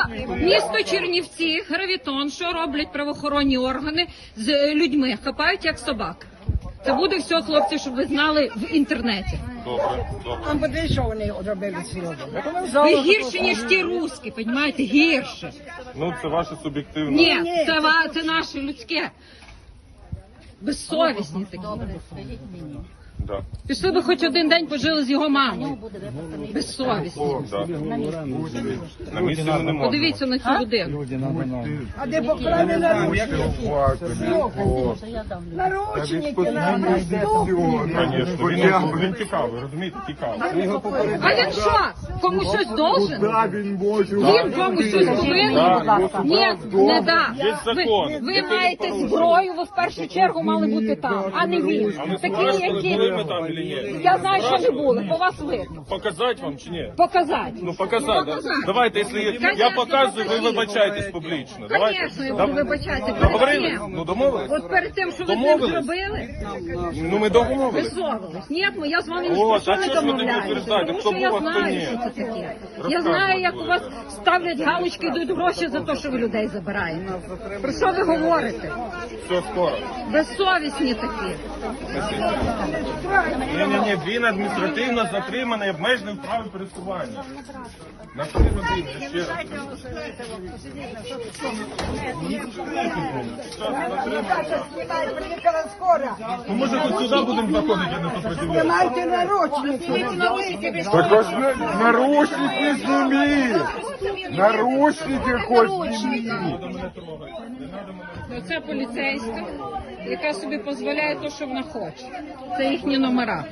Місто Чернівці, гравітон, що роблять правоохоронні органи з людьми? Хапають як собак. Це буде все, хлопці, щоб ви знали в інтернеті. Добре. Що вони робили сьогодні? Ви гірші, ніж ті русські, розумієте? Гірше. Ну, це ваше суб'єктивне. Ні, це наше людське. Безсовісні такі. Да. Пішли би хоч один день пожили з його мамою. Безсовісні. Да. На місці не можна. Подивіться на цю людину. А де поклали наручники на Звісно, він тікав, ви розумієте, тікав. А він що? Комусь щось должен? Він комусь щось повинен? Ні, не да. Є закон. Ви маєте зброю, ви в першу чергу мали бути там, а не він. Такі, які... Ми там чи ні? Я знаю, що не були, по вас видно. Показати вам чи ні? Показати. Ну, показати. Да. Давайте, якщо я показую, ви вибачаєтесь публічно. Звісно, я буду вибачатися. Договорились? Ну, домовились? От перед тим, що ви це зробили, Ну, ми домовились. висовувались. Ні, я з вами не От, що а не чого ж ви тоді домовляюся. утверждаєте, Тому хто що я був, а хто знаю, ні? що це таке. Я знаю, як у вас ставлять галочки, йдуть гроші за те, що ви людей забираєте. Про що ви говорите? Все, скоро. Безсовісні такі. Ні, він адміністративно затриманий, обмежений в праві пересування. На 3 години, ще раз. Приїхала скоро. Ну, може, хоч сюди будемо заходити, а не сопротивляти. Знімайте наручники. Так ось наручники сними! Наручники хоть сними! Оце поліцейська, яка собі дозволяє те, що вона хоче. Це їхні номера.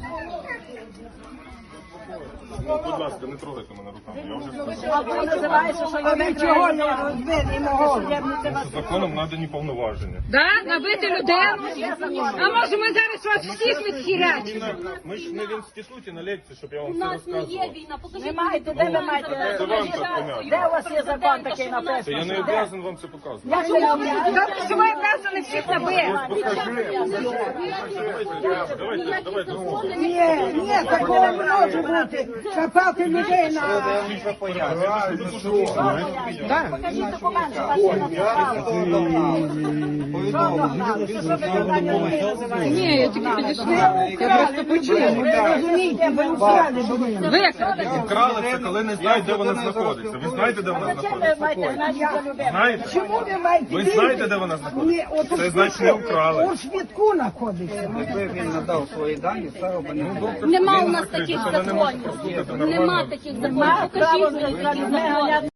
Ну, будь ласка, не трогайте мене руками, я вже сказав. А ви чого не розбили мого? Законом надані повноваження. Да? Набити людину? А може ми зараз вас всіх відхірячимо? Ми ж не в інституті на лекції, щоб я вам все розказував. Ви маєте, де ви маєте? Це вам так понятно. Де у вас є закон такий написаний? Це я не обов'язаний вам це показувати. Добре, що ви образили всіх набити. Давайте. Ні, такого не може бути. Хапати людей на... Ні, я тільки підійшла. Я просто почула. Ви розумієте, ви украли були. Викрадені. Вкрали це, коли не знають, де вона знаходиться. Ви знаєте, де вона знаходиться? Знаєте? Чому ви маєте? Ви знаєте, де вона знаходиться? Це значить не вкрали. У швидку знаходиться. Він надав свої дані, все робить. Нема у нас таких Вона не може законів. прослухати Нема нормально. таких законів. Покажіть мені такі закони.